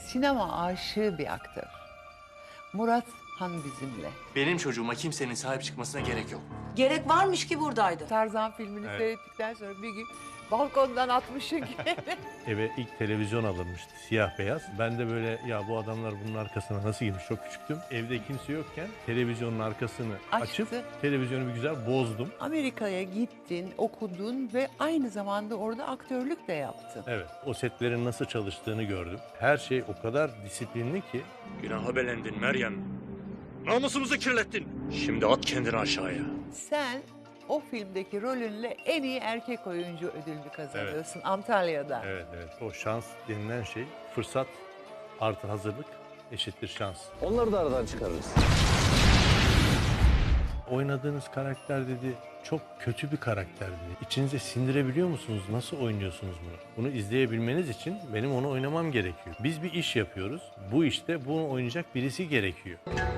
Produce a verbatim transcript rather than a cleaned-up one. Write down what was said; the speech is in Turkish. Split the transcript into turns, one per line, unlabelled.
sinema aşığı bir aktör. Murat Han bizimle.
Benim çocuğuma kimsenin sahip çıkmasına gerek yok.
Gerek varmış ki buradaydı.
Tarzan filmini
Evet.
seyrettikten sonra bir gün balkondan atmışım ki.
Eve ilk televizyon alınmıştı, siyah beyaz. Ben de böyle ya bu adamlar bunun arkasına nasıl girmiş, çok küçüktüm. Evde kimse yokken televizyonun arkasını
Açtı.
açıp televizyonu bir güzel bozdum.
Amerika'ya gittin, okudun ve aynı zamanda orada aktörlük de yaptın.
Evet, o setlerin nasıl çalıştığını gördüm. Her şey o kadar disiplinli ki.
Günaha belendin Meryem. Namusumuzu kirlettin. Şimdi at kendini aşağıya.
Sen o filmdeki rolünle en iyi erkek oyuncu ödülünü kazanıyorsun Antalya'da.
Evet, evet. O şans denilen şey, fırsat artı hazırlık eşittir şans.
Onları da aradan çıkarırız.
Oynadığınız karakter dedi, çok kötü bir karakter dedi. İçinize sindirebiliyor musunuz? Nasıl oynuyorsunuz bunu? Bunu izleyebilmeniz için benim onu oynamam gerekiyor. Biz bir iş yapıyoruz. Bu işte bunu oynayacak birisi gerekiyor.